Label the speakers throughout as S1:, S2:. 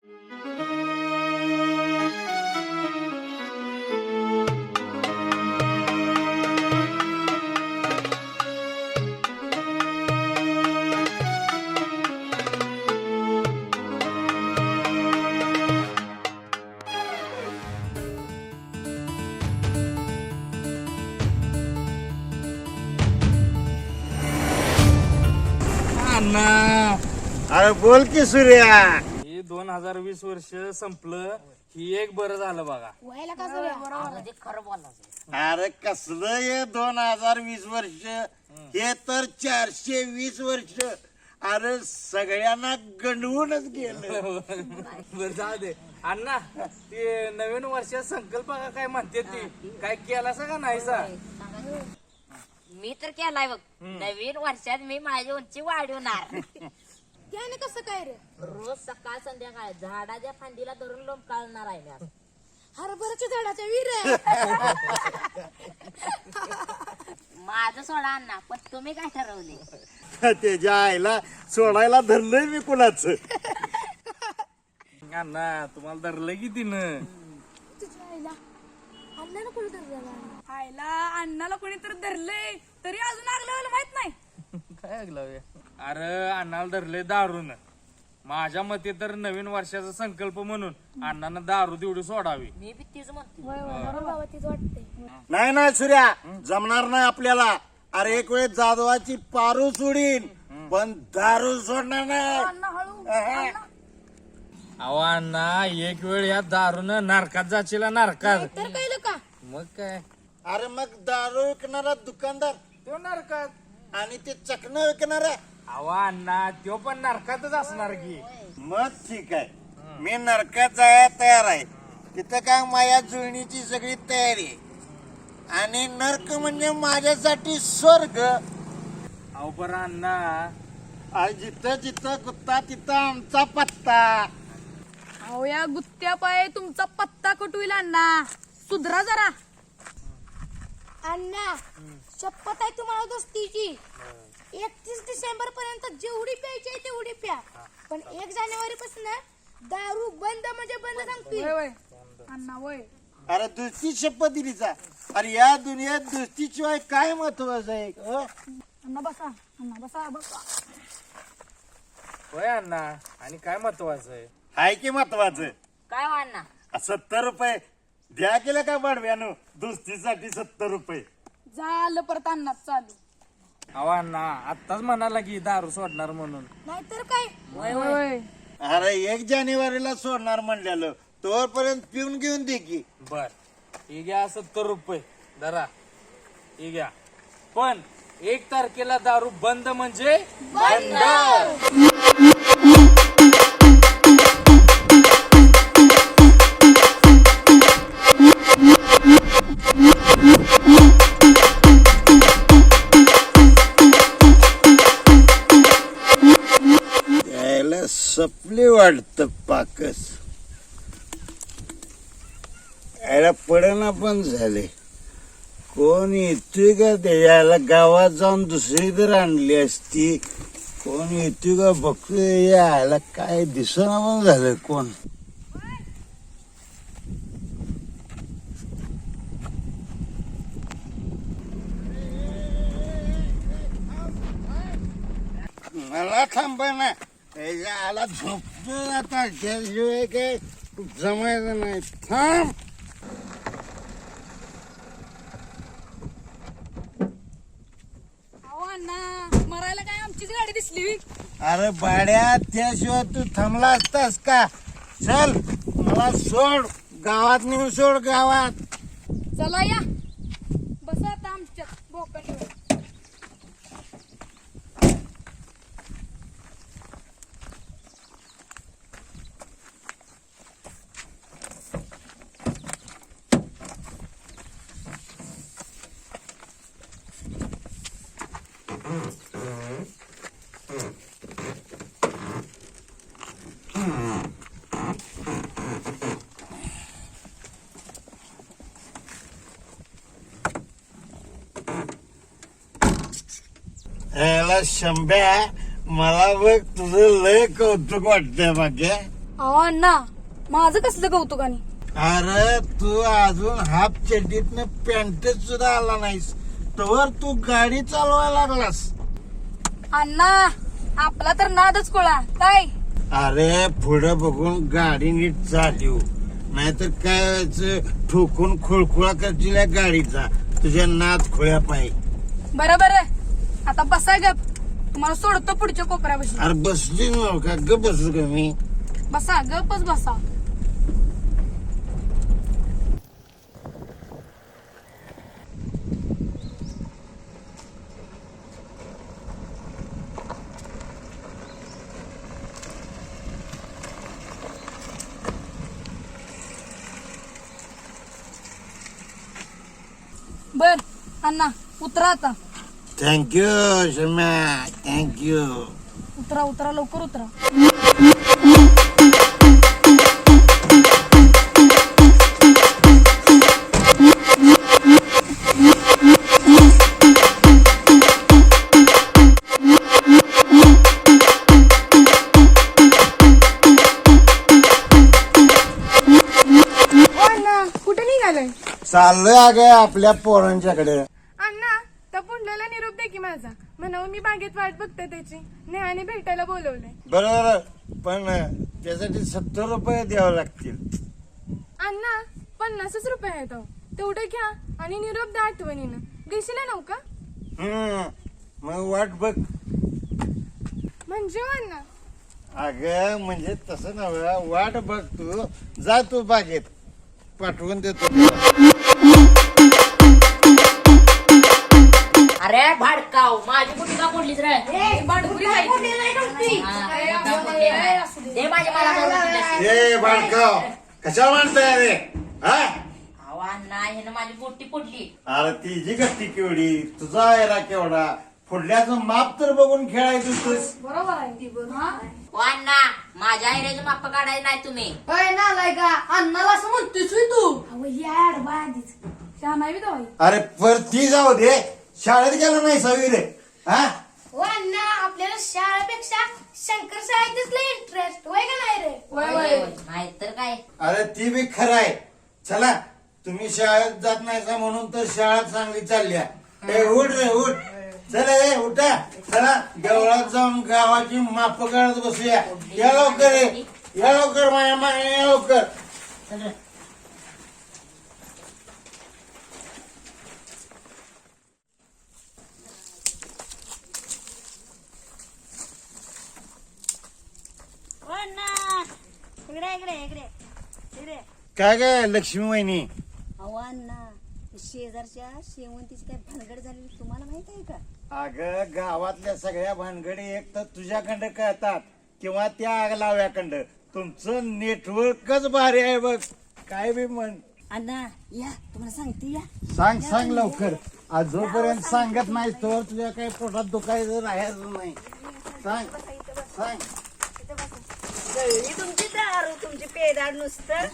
S1: अरे बोल की सूर्या.
S2: हे 2020 वर्ष संपलं ही एक बरं झालं बघा.
S3: व्हायला का बरोबर खरं बोलायचं.
S1: अरे कसलं हे 2020 वर्ष, हे तर 420 वर्ष. अरे सगळ्यांना गंडवूनच गेलं.
S2: बरं जाऊ दे अण्णा. ते नवीन वर्षात संकल्प काय म्हणते ती काय केला का नाही सा?
S3: मी तर केलाय बघ. नवीन वर्षात मी माझी उंची वाढवणार.
S4: त्याने कसं काय रे?
S3: रोज सकाळ संध्याकाळ झाडाच्या फांदीला धरून लोंबकाळणार आहे मी.
S4: हरभराच्या झाडाच्या विहीर.
S3: माझं सोडा अण्णा, पण तुम्ही काय ठरवले?
S1: त्याच्या आईला सोडायला धरलंय मी कुणाचं.
S2: अण्णा तुम्हाला धरलं की तिनं.
S4: तुझ्या आईला अण्णाला कोणी धरला? आईला अण्णाला कोणीतरी धरलंय तरी अजून लागलं माहित नाही.
S2: काय ऐकलं? अरे अण्णाला धरले दारून. माझ्या मते तर नवीन वर्षाचा संकल्प म्हणून अण्णानं दारू तेवढी सोडावी.
S3: मी बी तीच म्हणते.
S4: बाबा तीच वाटते.
S1: नाही ना सूर्या, जमणार नाही आपल्याला. अरे एक वेळ जाधवाची पारू सोडीन पण दारू सोडणार नाही.
S2: अहो अण्णा एक वेळ या दारून नारकात जाशील नारकात.
S4: तर कळलं का?
S2: मग काय
S1: अरे मग दारू विकणारा दुकानदार
S2: तो नारकात.
S1: आणि ते चकणं विकणारा,
S2: अहो अण्णा तो पण नारकातच असणार की.
S1: मग ठीक आहे. मी नरकात जायला तयार आहे. तिथं काय माया जुळणीची सगळी तयारी आहे. आणि नरक म्हणजे माझ्यासाठी स्वर्ग.
S2: अहो बरं अण्णा.
S1: आणि जिथं जिथं कुत्ता तिथं आमचा पत्ता.
S4: अहो या गुत्त्या पाय तुमचा पत्ता कुठविल अण्णा. सुधरा जरा अण्णा. शपथ आहे तुम्हाला दोस्तीची. 31 डिसेंबर पर्यंत जेवढी प्यायची आहे तेवढी प्या, पण 1 जानेवारी पासून दारू बंद म्हणजे बंद सांगतोय अण्णा. वय
S1: अरे दुसरी शपथ दिली जा. अरे या दुनियेत दुसरीशिवाय काय महत्वाचं आहे?
S4: अण्णा बसा. अण्णा बसा बसा.
S2: होय अण्णा. आणि काय महत्वाचं आहे?
S1: हाय की महत्वाचं.
S3: काय हो अण्णा?
S1: 70 रुपये द्या केलं का बाडव्यानो? दुसरीसाठी 70 रुपये.
S4: झालं परत अण्णा चालू.
S2: अहो अण्णा आत्ताच म्हणाला की दारू सोडणार म्हणून.
S4: नाहीतर काय.
S3: वय
S1: अरे 1 जानेवारीला सोडणार म्हणलेलं, तोपर्यंत पिऊन घेऊन दे की.
S2: बर ही घ्या 70 रुपये धरा. ही घ्या. पण 1 तारखेला दारू बंद म्हणजे बंद.
S1: यायला सपली वाटत पाकस. यायला पडना पण झाले. कोण येतोय का? ते यायला गावात जाऊन दुसरी तर आणली असती. कोण येतोय का बघतोय. यायला काय दिसना पण झालं कोण. मला थांब ना. याला झोपतो आता. त्याशिवाय काय जमायचं नाही. थांब.
S4: अहो अण्णा मरायला काय आमचीच गाडी दिसली.
S1: अरे बाड्या, त्याशिवाय तू थांबला असतास का? चल मला सोड, गावात नेऊन सोड. गावात
S4: चला या बसा आता आमच्या बोकांवर.
S1: याला शंभ्या, मला बघ तुझं लय कौतुक वाटतंय. बाकी
S4: अहो अण्णा माझं कसलं कौतुकाने.
S1: अरे तू अजून हाफ चड्डीतनं पॅन्ट सुद्धा आला नाहीस तवर तू गाडी चालवायला लागलास.
S4: अण्णा आपला तर नादच कोळा काय.
S1: अरे पुढे बघून गाडी नीट चालू नाहीतर काय व्हायचं ठोकून खोळखोळा करशील या गाडीचा तुझ्या नाद खोळ्या पाय.
S4: बरं आता बसा गप. तुम्हाला सोडतो पुढच्या कोपऱ्यापाशी.
S1: अरे बसली ना का ग बसू का मी.
S4: बसा गपच बसा. बर अण्णा उतरा आता.
S1: Thank you Shamya thank you.
S4: उतरा लवकर उतरा. कुठे निघालाय.
S1: चाललोय अगं आपल्या पोरांच्याकडे.
S4: अण्णा त्या पुंडल्याला निरोप दे की माझा. म्हणावं मी बागेत वाट बघते त्याची. नेहाने भेटायला बोलवलंय.
S1: बरोबर पण त्यासाठी 70 रुपये द्यावे लागतील.
S4: अण्णा 50 रुपये आहेत अहो. तेवढे घ्या आणि निरोप द्या आठवणीनं. देशील नव का.
S1: मग वाट बघ.
S4: म्हणजे हो अण्णा.
S1: अगं म्हणजे तसं नव्हे वाट बघ तू जा तू बागेत पाठवून देतो.
S3: अरे भाडकाव माझी कुठे का पडलीच रे. दे माझ्या मला.
S1: ए बाळकाव कशाला म्हणताय रे. हा
S3: अहो अण्णा ह्यानं माझी बोटी पडली.
S1: अरे तिची गट्टी केवढी तुझा एरा केवढा फुडल्याचं माप तर बघून खेळायचं.
S4: बरोबर आहे.
S3: ओ अण्णा माझ्या आयऱ्याचे माप काढायचे नाही तुम्ही.
S4: अण्णाला असं म्हणतोस तू.
S1: अरे पर ती जाऊ दे शाळेत गेला नाही सवी रे. हा
S4: हो अण्णा आपल्याला शाळेपेक्षा शंकर शाळेतच लय इंटरेस्ट होय का नाही रे.
S3: नाही तर काय.
S1: अरे ती बी खरं आहे. चला तुम्ही शाळेत जात नाही का म्हणून तर शाळा चांगली चालल्या. ए उठ रे उठ. चला ए उठा चला देवळात जाऊन गावाची माप काढत बसूया. या लवकर या लवकर माझ्या मागे या लवकर. काय काय लक्ष्मी वहिनी.
S5: अहो अण्णा शेजारच्या शेवंतीची काय भानगड झालेली तुम्हाला माहित आहे का.
S1: अगं गावातल्या सगळ्या भानगडी एक तर तुझ्याकडं कळतात किंवा त्या आगलाव्याकडं. तुमचं नेटवर्कच भारी आहे बघ. काय बी म्हण.
S5: अण्णा या तुम्हाला सांगते या.
S1: सांग लवकर. आज जोपर्यंत सांगत नाही तोवर तुझ्या काही पोटात दुखायचं राहायचं नाही. सांग.
S5: जळली तुमची दारू तुमची पेदार नुसतं.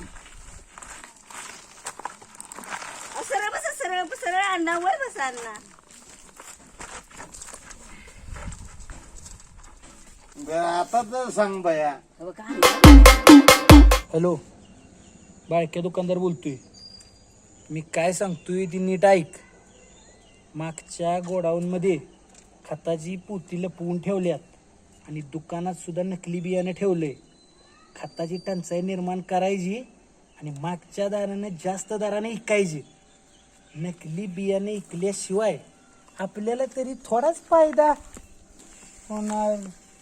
S5: सरळ बसा सरळ अण्णा वर बसा अण्णा.
S1: आता तर सांग बया.
S5: हो का अण्णा.
S2: हॅलो बाळक्या दुकानदार बोलतोय. मी काय सांगतोय ती नीट ऐक. मागच्या गोडाऊनमध्ये खताची पोती लपवून ठेवल्यात आणि दुकानात सुद्धा नकली बियाणं ठेवलंय. खताची टंचाई निर्माण करायची आणि मागच्या दराने जास्त दराने विकायची. नकली बियाणे विकल्याशिवाय आपल्याला तरी थोडाच फायदा होणार.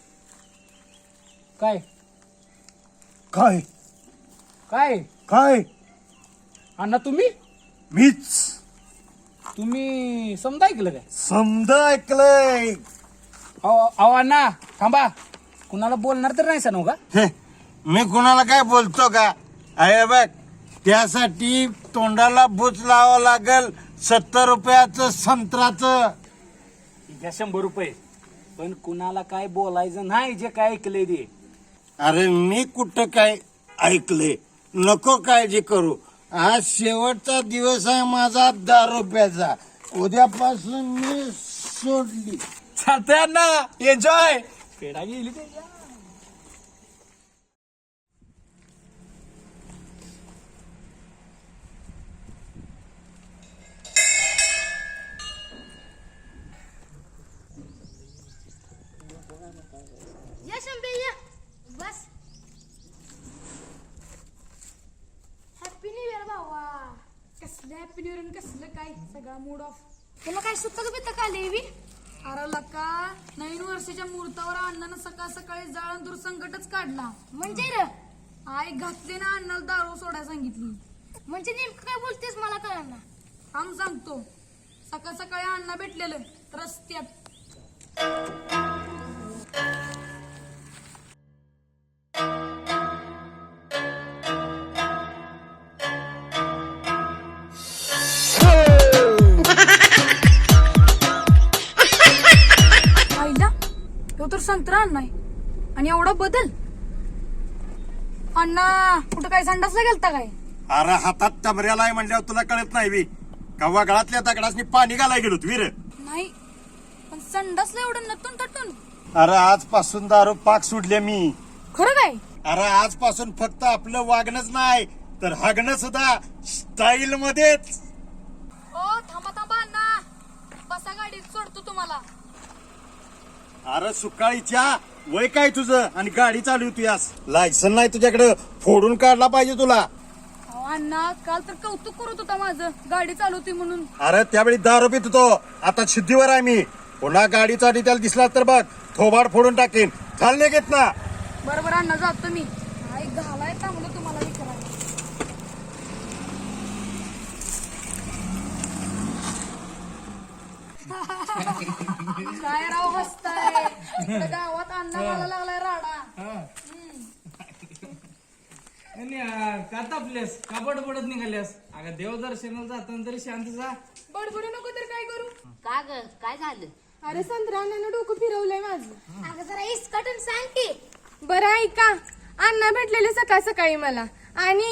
S2: काय
S1: काय
S2: काय
S1: काय
S2: अण्णा
S1: मीच
S2: तुम्ही समजा ऐकलं काय.
S1: समजा ऐकलंय.
S2: अहो अण्णा थांबा. कुणाला बोलणार तर नाही सांगू का.
S1: हे, मी कुणाला काय बोलतो का. अरे बघ त्यासाठी तोंडाला बुच लावावं लागल 70 रुपयाचं संत्राचं.
S2: घ्या 100 रुपये. पण कुणाला काय बोलायचं नाही जे काय ऐकलंय ते.
S1: अरे मी कुठं काय ऐकलंय. नको काळजी करू. आज शेवटचा दिवस आहे माझा 10 रुपयाचा. उद्यापासून मी सोडली.
S2: चालतंय अण्णा एन्जॉय. पेढा गेली ते
S6: हॅपी न्यू इयर कसलं काय सगळा मूड ऑफ.
S4: तुला काय सुतक बितक आले बी?
S6: अरे लका नवीन वर्षाच्या मुहूर्तावर अण्णानं सकाळ सकाळी जाळंदूर संकटच काढला.
S4: म्हणजे र
S6: आई घातली ना अण्णाला दारू सोडायला सांगितली.
S4: म्हणजे नेमकं काय बोलतेस मला कळणार ना.
S6: आम सांगतो. सकाळ सकाळी अण्णा भेटलेलं रस्त्यात. आईला तो तर संत्रा अण्णा आहे आणि एवढा बदल. अण्णा कुठं काय संडासला गेलता काय?
S7: अरे हातात टबऱ्याला आहे म्हणल्यावर तुला कळत नाही बी कव्वा गळातल्या दगडासनी पाणी घालाय गेलो वीर.
S6: नाही पण संडासला एवढं नटून तटून.
S7: अरे आजपासून दारू पाक सोडले मी.
S6: खरं काय?
S7: अरे आजपासून फक्त आपलं वागणंच नाही तर हागणं सुद्धा स्टाईल मध्येच.
S6: ओ थांबा थांबा अण्णा बसा गाडीत सोडतो तुम्हाला.
S7: अरे सुकाळीच्या वय काय तुझं आणि गाडी चालवतोयास. लायसन नाही तुझ्याकडे फोडून काढला पाहिजे तुला.
S6: अहो अण्णा काल तर कौतुक करत होता माझं गाडी चालवते म्हणून.
S7: अरे त्यावेळी दारू पित होतो आता शुद्धीवर आहे मी. पुन्हा गाडी चालली त्याला दिसला तर बघ थोबाड फोडून टाकेन. चालले घेत ना.
S6: बरोबर अण्णा जातो मी. आई घालाय चांगलं तुम्हाला विचारायला. काय राव हसताय इकडे गावात अण्णा मला लागलाय राडा.
S2: का तापल्यास का बडबडत निघाल्यास? अगं देवदर्शनाला जाताना तरी शांत जा.
S6: बडबडू नको तर काय करू?
S3: का ग काय झालं?
S6: अरे संत्रा अण्णानं डोकं फिरवलंय माझं.
S4: अगं जरा इसकटून सांग की.
S6: बरं ऐका अण्णा भेटलेले सकाळ सकाळी मला आणि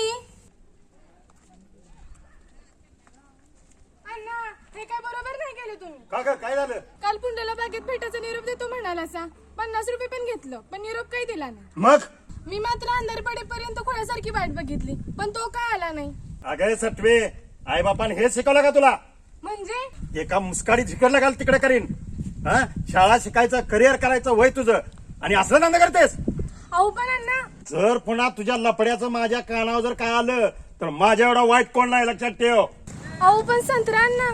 S6: अण्णा हे काय बरोबर नाही केलं तुम्ही.
S7: का ग काय झालं?
S6: काल पुंड्याला बागेत भेटायचा निरोप देतो म्हणाला सा 50 रुपये पण घेतलं पण निरोप काही दिला नाही.
S7: मग
S6: मी मात्र अंधार पडेपर्यंत खोळ्यासारखी वाट बघितली पण तो काय आला नाही.
S7: अगं सटवे आई बापान हे शिकवलं का तुला?
S6: म्हणजे
S7: एका मुस्काडीत झिकडला घाल तिकडे करीन. हा शाळा शिकायचं करिअर करायचं वय तुझं आणि असलं धंदा करतेस.
S6: अहो पण अण्णा
S7: जर पुन्हा तुझ्या लपड्याचं माझ्या कानावर जर काय आलं तर माझ्या एवढा वाईट कोण नाही लक्षात ठेव.
S6: अहो पण संत्रा अण्णा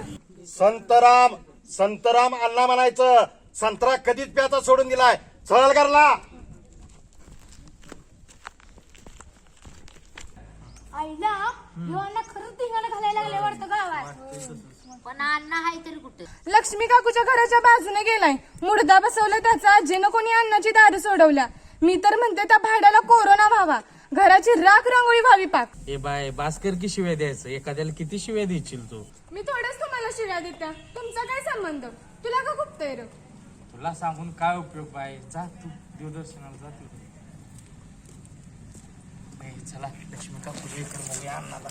S7: संतराम अण्णा म्हणायचं. संत्रा कधीच प्याचा सोडून दिलाय. चल करला
S4: आईला ह्यो अण्णा खरंच धिंगाणं घालायला लागले वाटतं गावात.
S3: पण अण्णा हाय तरी कुठं?
S6: लक्ष्मी काकूच्या घराच्या बाजूने गेलाय. मुडदा बसवला त्याचा आजीनं कोणी अन्नाची दारू सोडवल्या. मी तर म्हणते त्या भाड्याला कोरोना व्हावा घराची राख रांगोळी व्हावी पाक.
S2: ए बाय भास्कर की शिव्या द्यायचं? एखाद्याला किती शिव्या देशील तू?
S6: मी थोडंच तुम्हाला शिव्या देत्या. तुमचा काय संबंध? तुला का खूपतंय रे?
S2: तुला सांगून काय उपयोग बाय? जा तू देवदर्शनाला जा तू. ए, चला लक्ष्मी का पूजा कर मग अण्णाला.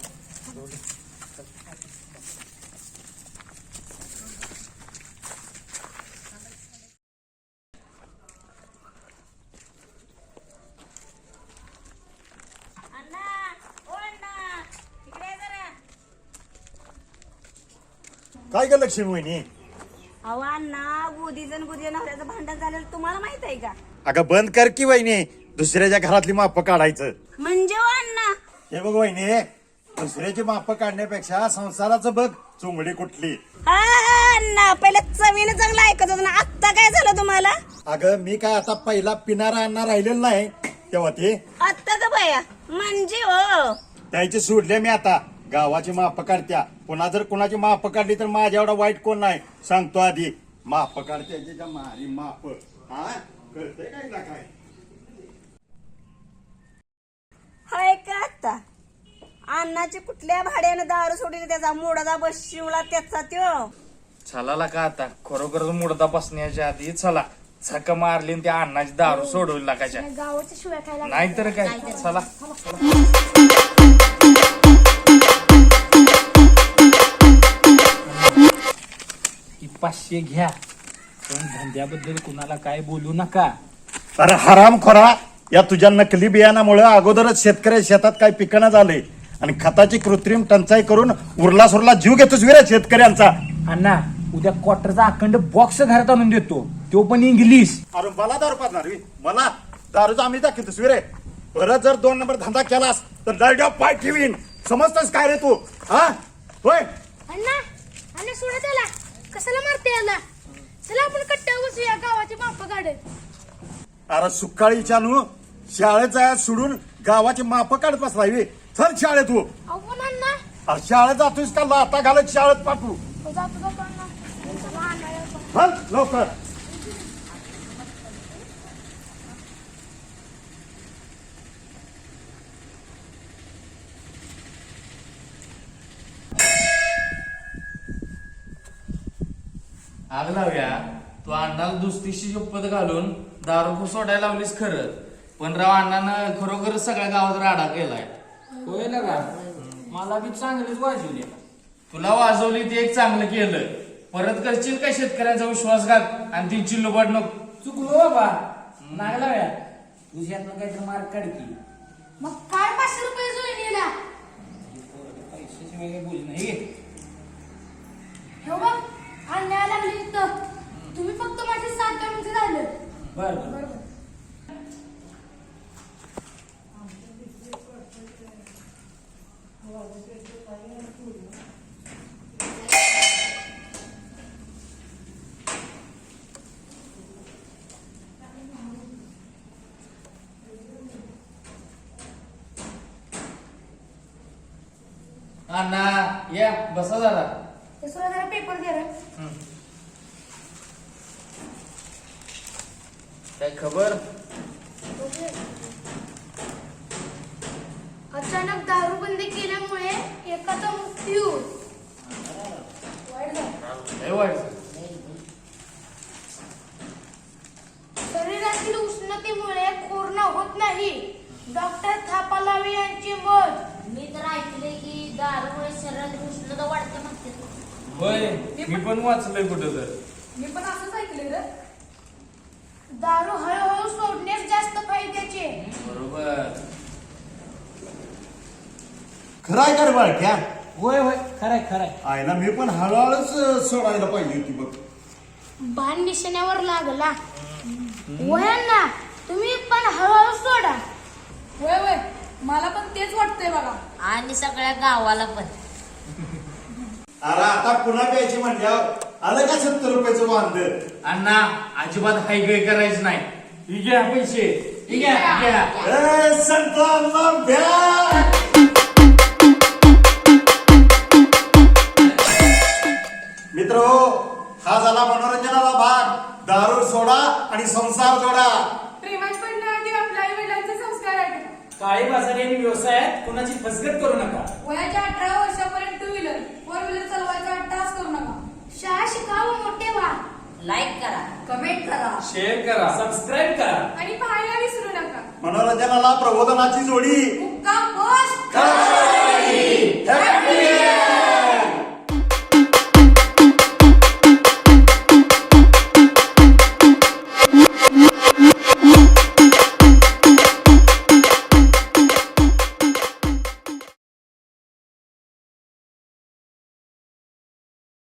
S7: काय ग लक्ष्मी वहिनी?
S5: अहो अण्णा गोदीचं आणि गोदीच्या नवऱ्याचं भांडण झालेलं तुम्हाला माहित आहे का?
S7: अगं बंद कर की वहिनी दुसऱ्याच्या घरातली माप काढायचं.
S5: म्हणजे हो अण्णा
S7: हे बघ वहिनी दुसऱ्याची माप काढण्यापेक्षा संसाराचं बघ चुंगडी कुठली.
S5: हा अण्णा पहिलं चवीनं चांगलं ऐकत होतं ना आत्ता काय झालं तुम्हाला?
S7: अगं मी काय आता पहिला पिणारा अण्णा राहिलेला नाही तेव्हा ते
S5: आत्ता का बाया म्हणजे हो
S7: त्याची सोडले मी आता. गावाची माप काढत्या पुन्हा जर कुणाची माप काढली तर माझ्या एवढा वाईट कोण नाही सांगतो आधी. माप काढत्याची मारी माप हा कळतंय काय ना काय?
S5: हाय का आता अण्णाची कुठल्या भाड्यानं दारू सोडली त्याचा मोडाचा बस शिवला त्याचा त्यो.
S2: चला का आता खरोखर मुडदा बसण्याच्या आधी चला झक मारली आणि त्या अण्णाची दारू सोडवली लागायच्या.
S4: गावाच्या शिव्या खायला
S2: नाहीतर काय. चला ही 500 घ्या पण धंद्याबद्दल कुणाला काय बोलू नका.
S7: अरे हराम खोरा या तुझ्या नकली बियाणामुळे अगोदरच शेतकऱ्या शेतात काही पिकणं झाले आणि खताची कृत्रिम टंचाई करून उरला सुरला जीव घेतोस विरा शेतकऱ्यांचा.
S2: अण्णा उद्या क्वार्टरचा अखंड बॉक्स घरात आणून देतो तो पण इंग्लिश.
S7: अरे मला दारू पाजणार मला दारूचा आम्ही दाखवतोस विरे. परत जर 2 नंबर धंदा केलास तर दरड्या पाय ठेवीन समजतोस काय रे तू? हा होय
S4: अण्णा अण्णा सोडा त्याला कशाला मारते याला चला आपण कट्ट्यावर बसूया गावाची माप काढत
S7: अरे सुकाळी चालू शाळेत जायला सोडून गावाची माप काढत बसलाय बे. चल शाळेत तू
S4: अहो पण अण्णा
S7: अरे शाळेत जातोयस का लाता घालत शाळेत पाठवू
S4: जातो अण्णा चला अण्णा येतो.
S7: चल लवकर
S8: आग लावूया तू अण्णाला दुस्तीशी शपथ घालून दारू सोडायला लावलीस खरं पण राव अण्णानं खरोखर सगळ्या गावात राडा केलाय
S2: होय ना का मला बी चांगलीच वाजवली
S8: तुला वाजवली ते एक चांगलं केलं परत करशील का शेतकऱ्यांचा विश्वासघात आणि ती चिल्लूबाट नको
S2: चुकलो बाबा नाही लाव्या तुझ्यातनं काहीतरी मार्क काढ की
S4: मग काय 500 रुपये जोडीला
S2: पैशाची वेगळी बोली नाही
S4: हो बघ अन्याय लागली इथं तुम्ही फक्त माझे 7 म्हणजे झालं
S2: बर बर
S8: अण्णा या बसा जरा
S4: ते सोडा जरा पेपर दे रे
S8: काय खबर
S4: अचानक दारू बंदी केल्यामुळे एकाचा मृत्यू वाईट झालं.
S8: लय वाईट
S4: शरीरातील उष्णतेमुळे कोरोना होत नाही डॉक्टर थापालावे यांचे मत
S3: मी तर ऐकले की दारूमुळे शरीरात उष्णता वाढते म्हणते
S8: होय मी पण वाचलंय कुठं तर
S6: मी पण असंच ऐकले रे
S4: दारू हळूहळू सोडण्यास जास्त फायद्याचे
S8: बरोबर
S7: खराय कर बाळक्या
S2: होय होय खरंय खरंय
S7: आहे ना मी पण हळूहळूच सोडायला पाहिजे होती बघ
S4: बाण निशाण्यावर लागला वयांना तुम्ही पण हळूहळू सोडा
S6: होय होय मला पण तेच वाटतंय बघा
S3: आणि सगळ्या गावाला पण
S7: अरे आता पुन्हा प्यायची म्हणल्यावर आलं का 70 रुपयाचं वांद
S8: अण्णा अजिबात हायगय करायचं नाही ही घ्या पैसे ही घ्या
S7: संतांना भ्या मित्र हा झाला मनोरंजनाला भाग दारू सोडा आणि संसार जोडा
S6: प्रेमात पडण्याआधी आपल्या आई वडिलांचे संस्कार आहेत
S2: काळी बाजारी आणि व्यवसायात कोणाची फसगत करू नका
S6: वयाच्या 18 वर्षापर्यंत 2 व्हीलर 4 व्हीलर चालवायचा अट्टाहास करू नका
S4: शाळा शिका व मोठे व्हा
S3: लाईक करा
S5: कमेंट करा
S8: शेअर करा
S2: सबस्क्राईब करा
S6: आणि पाहायला विसरू नका
S7: मनोरंजनाला प्रबोधनाची जोडी
S6: मुक्काम